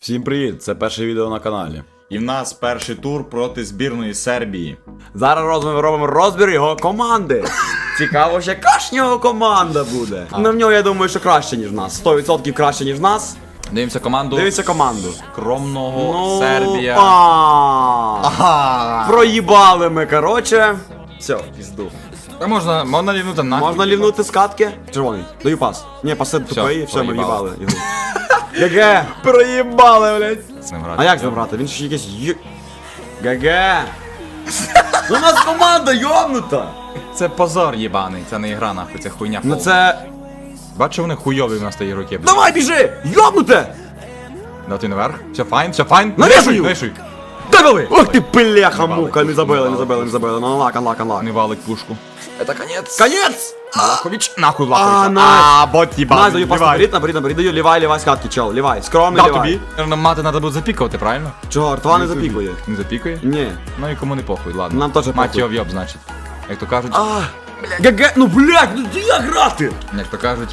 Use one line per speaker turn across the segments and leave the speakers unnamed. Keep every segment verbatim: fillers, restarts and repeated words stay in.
Всім привіт, це перше відео на каналі.
І в нас перший тур проти збірної Сербії.
Зараз ми робимо розбір його команди. Цікаво, ще яка ж в нього команда буде. А. Ну в нього, я думаю, що краще, ніж в нас. сто відсотків краще, ніж в нас.
Дивимося команду.
Дивіться команду.
Скромного
Ну,
Сербія.
А.
Ага.
Проїбали ми, короче. Все, в пізду.
Та можна, можна лівнути на.
Можна лівнути з катки? Червоний, даю пас. Ні, паси тупий, все, ми в'їбали. ГГ. Проїбали, блядь.
З ним грати.
А як з ним грати? Він ж якийсь ю... ГГ. Ну у нас команда йобнута.
Це позор єбаний, це не ігра нахуй, це хуйня.
Ну
повна.
це...
Бачу, вони хуйові в нас тої руки.
Давай, біжи! Йобнуте!
Дати наверх. Все файн, все файн.
Навішую!
Навішуй.
Давай! Ох ти пиляха мука, не забили, не забили, не забили. Ну анлак, анлак, анлак.
Не валить пушку. Это конец.
Конец!
Лакович. Нахуй
А,
Лакович.
найс.
А, бот
Найс,
єбаний.
даю пас наперед, наперед, наперед, даю лівай, лівай, скатки, чел, лівай, скромний
Дав
лівай.
тобі. Наверно, мати треба буде запікувати, правильно?
Чого, ртва не запікує?
Не запікує?
Ні.
Ну і кому не похуй, ладно.
Нам теж
Мать
похуй.
його в'єб, значить. Як то кажуть,
А, ГГ, ну блядь, ну як грати?
як то кажуть.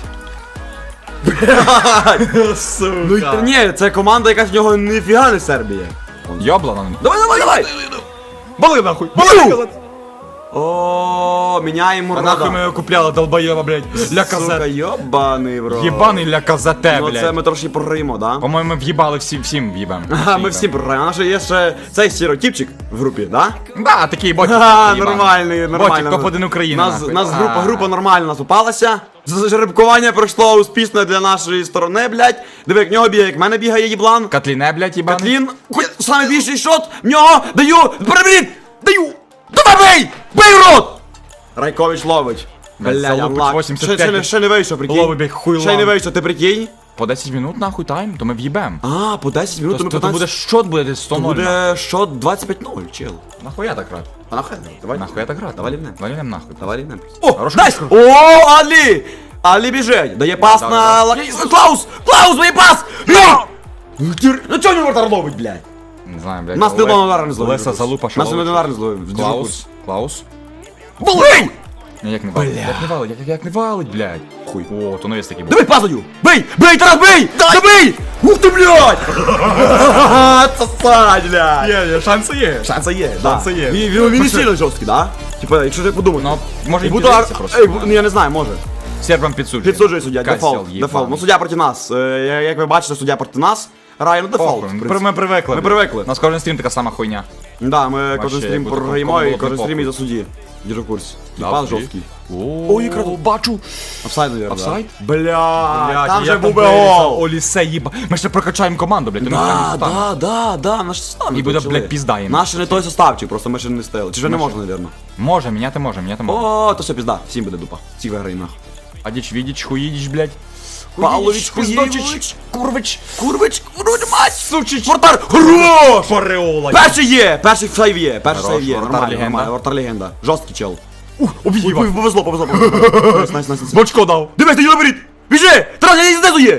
Ну і та ні, це команда, яка з нього ніфіга не Сербія.
Йобла нам.
Давай, давай, давай!
Бали нахуй!
Бали! О, міняємо
А нахуй ми
рода.
його купляли, долбоєва, блядь. Ля
Сука,
казет.
йобаний, бро.
Єбаний ля казете,
Ну це
блядь.
ми трошки програємо, да?
По-моєму, ми в'їбали всі, всім в'їбем.
Ага, ми всі програємо. А наш є ще цей стереотипчик в групі, да?
Да, такий ботик.
Ага,
єбаний.
нормальний, нормально.
Ботик, топ-один України,
Нас,
нахуй.
нас група,
А.
група нормально наступалася. Жеребкування пройшло успішно для нашої сторони, блядь. Диви, як в нього бігає, як в мене бігає їблан.
Котліне, блядь, єбаний.
Катлін, хоч саме більший шот, в нього даю, переберіть, даю. Давай бей, бей в рот. Райкович ловить.
Блядь,
Блядь,
залупить
анлак.
вісімдесят
Ще,
п'ять.
ще, не- ще не вийшов, прикинь.
Ловить, блядь, хуйлан.
Ще не вийшов, ти прикинь?
По десять минут, нахуй, тайм, то ми в'їбем.
А, по десять минут,
То,
ми
то, то буде
п'ятнадцять.
щот, буде десь сто
То
нуль.
буде шот двадцять п'ять нуль, чел.
Нахуя так грати?
А нахуй, давай.
Нахуя так грати?
Давай лівнем.
Давай лівнем нахуй.
Давай рівнем. О,
Хороший
найс!
мікро.
О, Алі! Алі біжить. Дає пас
Да,
на...
да,
Ла-
да.
Клаус! Клаус, дає пас! Бля! Ну ти- Ну чого не вратар ловить, блядь?
Не знаю, блядь.
Нас не
Олег-
одного удару не зловив.
Леса залупа, що
Нас не
ловить.
одного удару не зловив. Держи
Клаус.
курс.
Клаус.
Бий!
Ні, як не валить. Як не валить, як, як не валить, блядь. Хуй. О, то навіс такий був.
Давай пас даю! Бий! Бий, Тарас, бий! Да бий! Ух ти, блядь! Сосать, блядь!
Є, є, шанси є.
Шанси є, да.
Шанси є.
Він, він, він не сильно жорсткий, да? Типа, якщо ти подумати.
Ну, може,
І
і
буду
піддається
ар-
просто.
Ей, бу- ну я не знаю, може.
Сербам підсуджує.
Підсуджує суддя,
Касіл,
дефолт,
єбаний.
дефолт. Ну суддя проти нас. Е, я- Як ви бачите, суддя проти нас. Грає, ну дефолт.
Похуй,
в
ми,
принципі.
ми привикли.
Ми привикли.
У нас кожен стрім така сама хуйня.
Да, ми кожен
як
стрім
будто
програємо
кому
і
було б
кожен
не
стрім і
похуй.
за судді. Держу в курсі. І
Да,
пас
судді.
жорсткий.
О,
і круто.
бачу.
Офсайд, наверное.
Офсайд?
Да? Бля,
Блядь,
там
я
же був би
вирізав
гол.
Олісе, їба. Ми ще прокачаємо команду, блядь.
Да, да, да, да, наш состав. не
І буде,
той
блядь,
чоловік.
пізда їм.
Наш не той составчик, просто ми ще не стели. Чи вже не можна, наверное.
Може, міняти може, міняти може.
О, то все пізда, всім буде дупа. Всі виграємо нахуй.
Адіч, відіч, хуїдіч, блядь.
Павлович,
Пиздочич,
Хуєвич.
Курвич.
Курвич, курвич, мать!
Сучич.
Вратар, хорош!
Фореола.
Перший є, перший сейв є, перший
Хорош,
сейв є,
вратар
нормально,
легенда.
нормально, вратар легенда. Жорсткий чел.
Ух,
Ой,
об'їбав.
ой, повезло, повезло, повезло. Найс, найс, найс, найс.
Бочко дав.
Дивись, ти його беріть! Біжи! Тарас, я знизу є!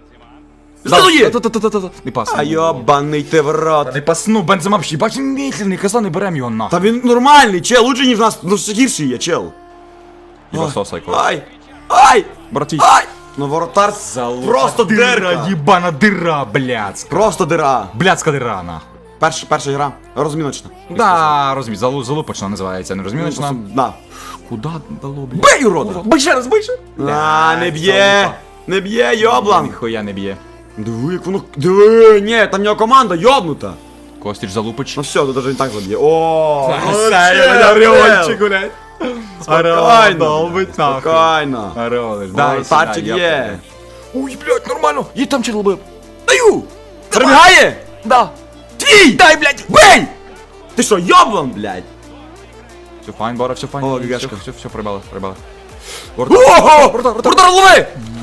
Знизу є!
Та-та-та-та-та. Не пас.
А йобаний ти в рот.
Не пасну, Бензема взагалі, бач, він медленний, каза, не берем його нахуй.
Та він нормальний, чел, лучше ніж в нас, ну ще гірший є, чел.
Його сосай, кого.
Ай! Ай!
Братвіч.
Ай! Ну воротар просто дирка.
Єбана дира, блядська.
Просто дира.
Блядська дира, нахуй.
Перша, перша гра, розміночна.
Да, розумію, залу, залупочна називається, не розміночна.
Да.
Куда дало, блядь?
Бей, урода!
Бий ще раз, бий ще.
А, не б'є! Не б'є, йоблан!
Ніхуя не б'є.
Диви, як воно... Диви, ні, там в нього команда йобнута.
Костіч залупич.
Ну все, тут даже не так заб'є. О, ну,
Все,
чел,
я
чел.
блядь.
Спокійно,
долбить нахуй.
спокійно.
Орелиш,
Воротарчик є.
Ой, блядь, нормально. Є там чел бив.
Даю! Пробігає?
Да.
Твій! Дай, блядь, бей! Ти що, йоблан, блядь?
Все файн, Бора, все файн.
О,
Все,
гігашка.
все, все, прибали, прибали.
Ого! Вратар, лови!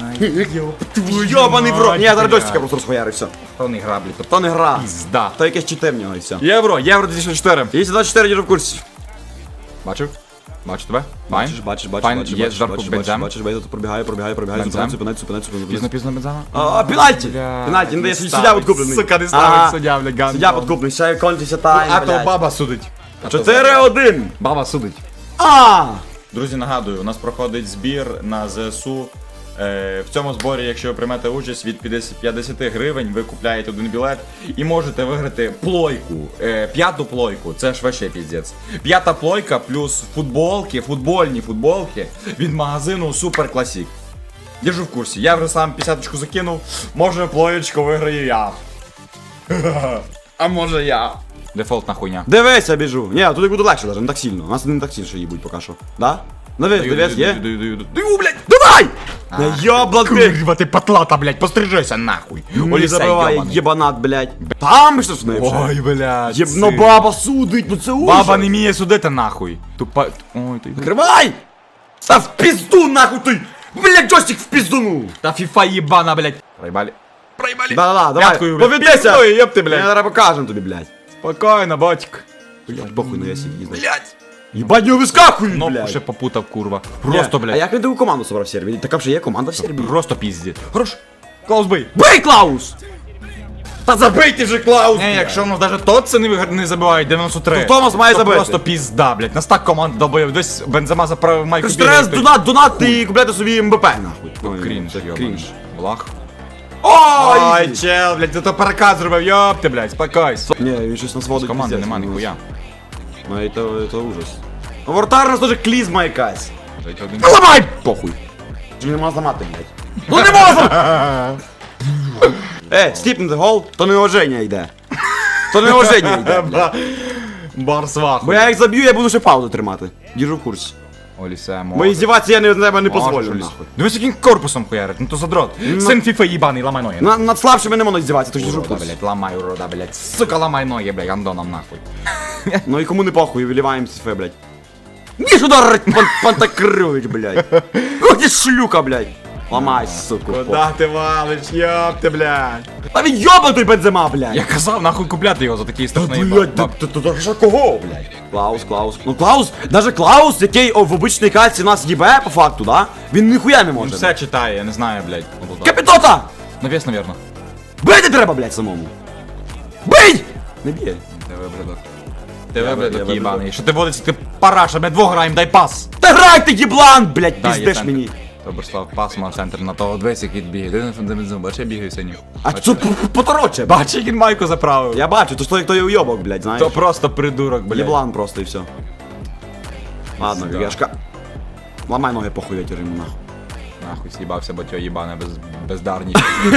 Йобаний в рот. Ні, я зараз
блядь.
джойстика просто розхуярив, все.
То не граблі, то
То не гра.
пізда.
То якесь чите в нього і все.
Євро, Євро дві тисячі чотири.
Є двадцять чотири, держу в курсі.
Бачив? Бачу тебе? Файн?
Бачиш, бачиш, бачиш,
Файн,
бачиш,
є
бачиш,
зверху
бачиш,
Бензем.
бачиш, бачиш, тут пробігає, пробігає, пробігає,
Бензем.
зупинайся, зупинайся, зупинайся,
Пізно,
зупинайся.
пізно Бензема.
А, пенальті!
Бля,
Пенальті, не дає,
не
суддя
ставить,
відкуплений.
сука, не ставить
Ага.
суддя, бля, гандон.
Суддя підкуплений, ще кончиться тайм,
А то
блядь.
баба судить.
чотири один.
Баба судить.
А!
Друзі, нагадую, у нас проходить збір на ЗСУ Е, в цьому зборі, якщо ви приймете участь від п'ятдесят гривень, ви купляєте один білет і можете виграти плойку. Е, п'яту плойку, це ж вообще піздець. П'ята плойка плюс футболки, футбольні футболки від магазину Super Classic. Держу в курсі, я вже сам п'ятдесяточку закинув, може плоєчку виграю я. А може я. Дефолтна хуйня.
Дивися, біжу. Ні, туди буде легше даже, не так сильно. Нас не так сильно їбуть поки що. Да? Дивись,
Даю,
дивись,
даю,
є?
даю, даю, даю.
Даю, блядь, давай! Не йобла ти!
Курва, ти патлата, блядь, пострижися нахуй.
Не
Олісей
забивай,
йобаний.
єбанат, блядь. Там що ж не вже?
Ой, блядь.
Єбно
син.
баба судить, ну це ужас.
Баба не вміє судити нахуй. Тупа. Ой, ти.
Закривай! Та в пізду нахуй ти! Блядь, джойстик в пізду!
Та фіфа єбана, блядь. Проїбали. Проїбали.
Да-да-да, давай,
П'яткою, блядь.
повідайся!
Ой, єб ти,
Я
блядь.
зараз покажем тобі, блядь.
Спокійно, батьк.
Блядь, похуй на ясі їздить.
Блядь.
Єбать, не вискакуй,
Кнопку
блядь.
ще попутав, курва. Просто,
Ні, А
блядь.
як він таку команду собрав в Сербії? Така вже є команда в Сербії.
Просто пізді. Хорош. Клаус бий.
Бий, Клаус! Та забий ти же, Клаус!
Не, якщо в нас навіть тот це не, вигр- не забивають дев'яносто три.
То Томас має
то
забити.
просто пізда, блядь. Нас так команда долбоїв. Десь Бензема заправив майку.
Кажеш, треба донат, донат і купляти собі МБП, нахуй. Ой,
Крінж,
це
йобаний.
крінж.
Влах.
Ой!
Ой, чел, блядь, ти то переказ зробив, йоп ти, блядь, спокойся.
Ні, він щось нас водить.
Команди
пиздець,
нема
ну,
ніхуя.
Ну і то, то ужас. Ну, Вратар у нас теж клізма якась.
Жить один.
Ну ламай! Похуй. Чи не можна зламати, блядь? Ну не можна! Е, стіпнути гол, то не оження йде. То не оження йде. блядь.
Барс вахуй.
Бо я як заб'ю, я буду ще паузу тримати. Держу в курсі.
Олісе,
Бо іздіватися я не, тебе не позволю,
Можеш, Оліс.
нахуй.
Дивись, яким корпусом хуярить, ну то задрот. Син фіфа їбаний, ламай ноги.
На, над слабшими не можна здіватися, то ж держу в
Урода,
курсі.
блядь, ламай, урода, блядь. Сука, ламай ноги, блядь, андоном нахуй.
Ну і кому не похуй, виливаємо сифе, блядь. Ніж удар, пан, Пантакривич, блядь. Ох ти шлюка, блядь. Ламай, сука.
Куда ти валиш, йоп ти, блядь.
Та він йобнутий Бензема, блядь.
Я казав, нахуй купляти його за такий страшний
Блядь, ти, ти, ти, ти, кого, блядь? Клаус, Клаус. Ну Клаус, даже Клаус, який о, в обичній кальці нас їбе, по факту, да? Він ніхуя не
Він
може.
все читає, я не знаю, блядь.
Капітота!
Навіс, навірно.
Бити треба, блядь, самому. Бий! Не б'є.
ТВ, блядок.
Я
ТВ,
би- я
блядок,
би-
їбаний. Що ти водиться, ти параша, ми двох граємо, дай пас.
Та грай ти, єблан, блядь,
Да, є
піздеш
центр.
мені.
Доброслав, пас, мав центр на того, дивись, як він бігає. Ти не бензин, бачиш, я бігаю синю.
А це п- потороче. б***ь.
Бачиш, як він майку заправив.
Я бачу, то ж той, хто є уйобок, блядь, знаєш.
То просто придурок, блядь.
Єблан просто і все. Ладно,
Да.
Гешка. Ламай ноги похуй, я тюрю нахуй.
Нахуй с'їбався, бо тьо їбане без, бездарні.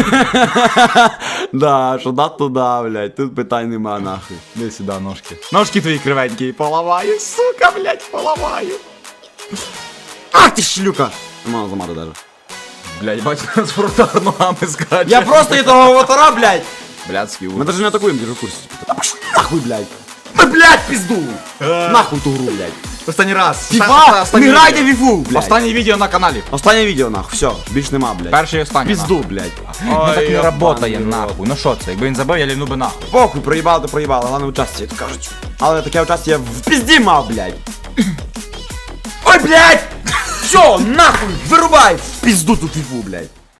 Да, що да туда, блядь, тут питань нема нахуй.
Іди сюди, ножки. Ножки твої кривенькі, поламаю, сука, блядь, поламаю.
Ах ти шлюка! Не можна зламати даже.
Блядь, бачиш, нас фронтар ногами скаче.
Я просто і того аватара, блядь!
Блядський
Ми
ужас.
даже не атакуємо, держу в курсі. Та пошли нахуй, блядь! Та, блядь, пізду! Нахуй ту гру, блядь!
Останній раз.
Фіфа,
Останнє
не грайте в
відео.
фіфу, блядь!
Останнє відео на каналі.
Останнє відео, нахуй, все, більш нема, блядь.
Перший і останній.
Пізду, блядь.
Ну так не
йобаний
работає,
рот.
нахуй. Ну що це, якби він забив, я лівну би нахуй.
Похуй, проїбали, то проїбали, головне участі, як то кажуть. Але таке участі я в пізді мав, блядь. Ой, блядь! Все, нахуй, вирубай в пізду ту фіфу, блядь.